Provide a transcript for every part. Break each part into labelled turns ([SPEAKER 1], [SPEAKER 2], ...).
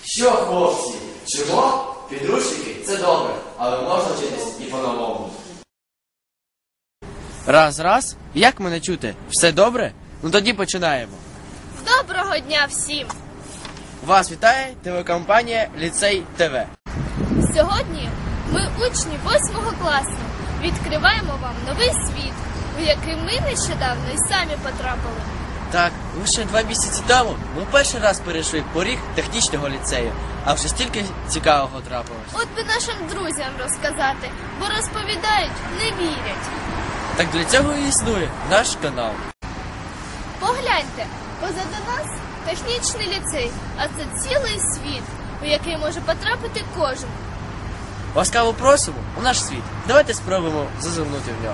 [SPEAKER 1] Що, хлопці, чого? Підручники – це добре, але можна вчитись і по-новому. Раз. Як мене чути? Все добре? Ну тоді починаємо.
[SPEAKER 2] Доброго дня всім!
[SPEAKER 1] Вас вітає телекомпанія «Ліцей ТВ».
[SPEAKER 2] Сьогодні ми, учні 8 класу, відкриваємо вам новий світ, у який ми нещодавно і самі потрапили.
[SPEAKER 1] Так, лише 2 місяці тому ми перший раз перейшли поріг технічного ліцею, а вже стільки цікавого трапилось.
[SPEAKER 2] От би нашим друзям розказати, бо розповідають, не вірять.
[SPEAKER 1] Так для цього і існує наш канал.
[SPEAKER 2] Погляньте, позаду нас технічний ліцей, а це цілий світ, у який може потрапити кожен.
[SPEAKER 1] Ласкаво просимо у наш світ. Давайте спробуємо зазирнути в нього.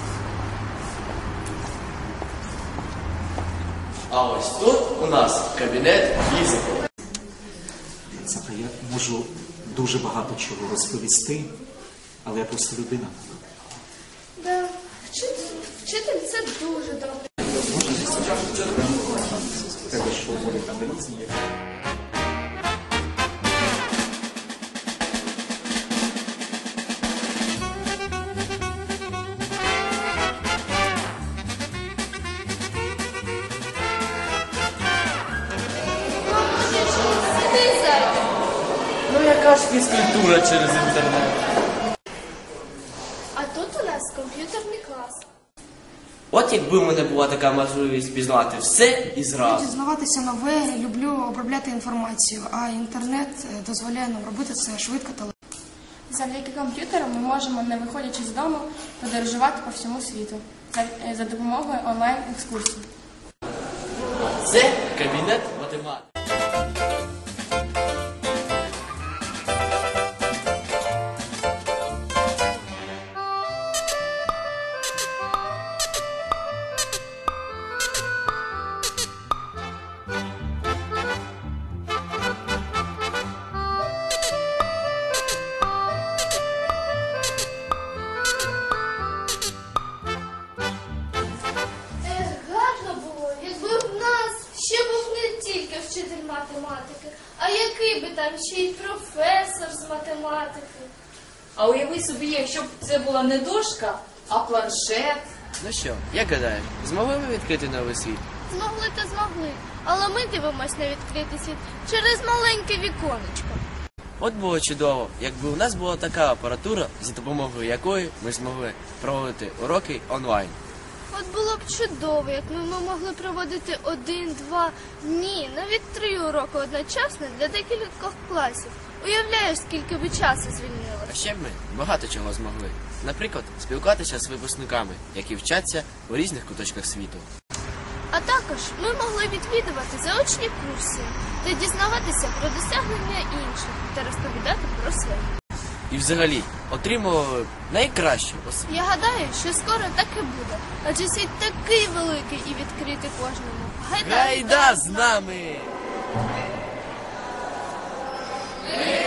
[SPEAKER 1] А ось тут у нас кабінет фізики.
[SPEAKER 3] Я можу дуже багато чого розповісти, але я просто людина.
[SPEAKER 2] Да, вчитель це дуже добре.
[SPEAKER 3] Треба, що вони там різні.
[SPEAKER 1] Ну яка ж фізкультура через інтернет?
[SPEAKER 2] А тут у нас комп'ютерний клас.
[SPEAKER 1] От якби в мене була така можливість пізнати все і зразу.
[SPEAKER 4] Дізнаватися нове, люблю обробляти інформацію, а інтернет дозволяє нам робити це швидко та легко.
[SPEAKER 5] Завдяки комп'ютеру ми можемо, не виходячи з дому, подорожувати по всьому світу за допомогою онлайн-екскурсій.
[SPEAKER 1] Це кабінет математики.
[SPEAKER 2] Гарно було, якби в нас ще був не тільки вчитель математики, а який би там ще й професор з математики.
[SPEAKER 6] А уяви собі, якщо б це була не дошка, а планшет.
[SPEAKER 1] Ну що, як гадаєш, змогли ми відкрити новий світ?
[SPEAKER 2] Змогли та змогли, але ми дивимося на відкритий світ через маленьке віконечко.
[SPEAKER 1] От було чудово, якби у нас була така апаратура, за допомогою якої ми змогли проводити уроки онлайн.
[SPEAKER 2] От було б чудово, якби ми могли проводити 1, 2, ні, навіть 3 уроки одночасно для декількох класів. Уявляєш, скільки би часу
[SPEAKER 1] А
[SPEAKER 2] звільнилося.
[SPEAKER 1] ще б ми багато чого змогли. Наприклад, спілкуватися з випускниками, які вчаться у різних куточках світу.
[SPEAKER 2] А також ми могли відвідувати заочні курси та дізнаватися про досягнення інших та розповідати про свої.
[SPEAKER 1] І взагалі, отримували найкращу освіту.
[SPEAKER 2] Я гадаю, що скоро так і буде, адже світ такий великий і відкритий кожному.
[SPEAKER 1] Гайда з нами!
[SPEAKER 2] Гайда!